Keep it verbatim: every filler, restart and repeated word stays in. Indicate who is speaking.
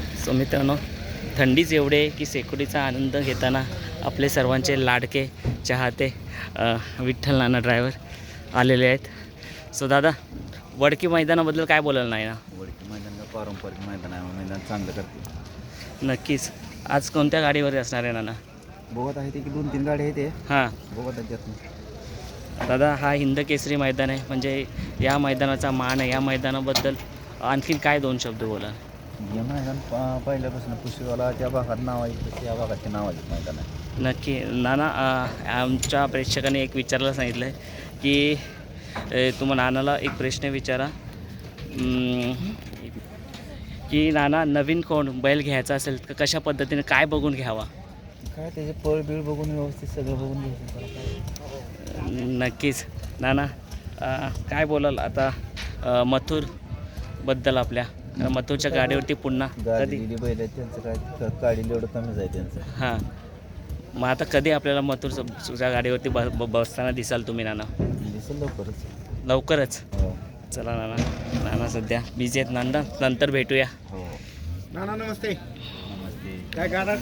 Speaker 1: So मित्रांनो, थंडीच एवढे आहे की शेकोटीचा आनंद घेताना आपले सर्वांचे लाडके चाहते अ, विठ्ठल नाना ड्रायव्हर आलेले आहेत. सो दादा, वडकी मैदानाबद्दल काय बोलायला नाही ना?
Speaker 2: वडकी मैदान का पारंपरिक मैदान आहे, मैदान चांगलं करते.
Speaker 1: नक्कीच. आज कोणत्या गाडीवर असणार आहे नाना?
Speaker 2: बघत आहे ते की दोन तीन गाडी आहे ते
Speaker 1: हां
Speaker 2: बघत आहे त्यातून.
Speaker 1: दादा, हा हिंद केसरी मैदान आहे, म्हणजे या मैदानाचा मान आहे. या मैदानाबद्दल आणखीन काय दोन शब्द बोला?
Speaker 2: हे मैदान प- पहिल्यापासून पुशेवाला त्या भागात नाव आहे तसं या भागाचे नाव आहे मैदान आहे.
Speaker 1: नक्की नाना, अ, आमच्या प्रेक्षकांनी एक विचारायला सांगितलं आहे की अ, तुम्हा नानाला एक प्रश्न विचारा अं, की नाना, नवीन कोण बैल घ्यायचा असेल तर कशा पद्धतीने काय बघून घ्यावा?
Speaker 2: काय त्याचे पळ बिळ बघून व्यवस्थित सगळं बघून घ्यायचं त्याला काय.
Speaker 1: नक्कीच. नाना, अ, काय बोलाल आता अ, मथुरबद्दल आपल्या कारण मथुरच्या गाडीवरती पुन्हा
Speaker 2: गाडी
Speaker 1: कधी
Speaker 2: दिली बैल आहेत त्यांचं काय काढील एवढं कमीच आहे त्यांचं.
Speaker 1: हां, मग आता कधी आपल्याला मथुरच्या गाडीवरती ब ब- बसताना दिसाल तुम्ही नाना?
Speaker 2: दिसेल लवकरच.
Speaker 1: लवकरच.
Speaker 2: हो
Speaker 1: चला नाना, नाना सध्या बिझी आहेत नांदा, नंतर भेटूया.
Speaker 2: हो
Speaker 3: नाना नमस्ते.
Speaker 2: नमस्ते.
Speaker 3: काय गाडा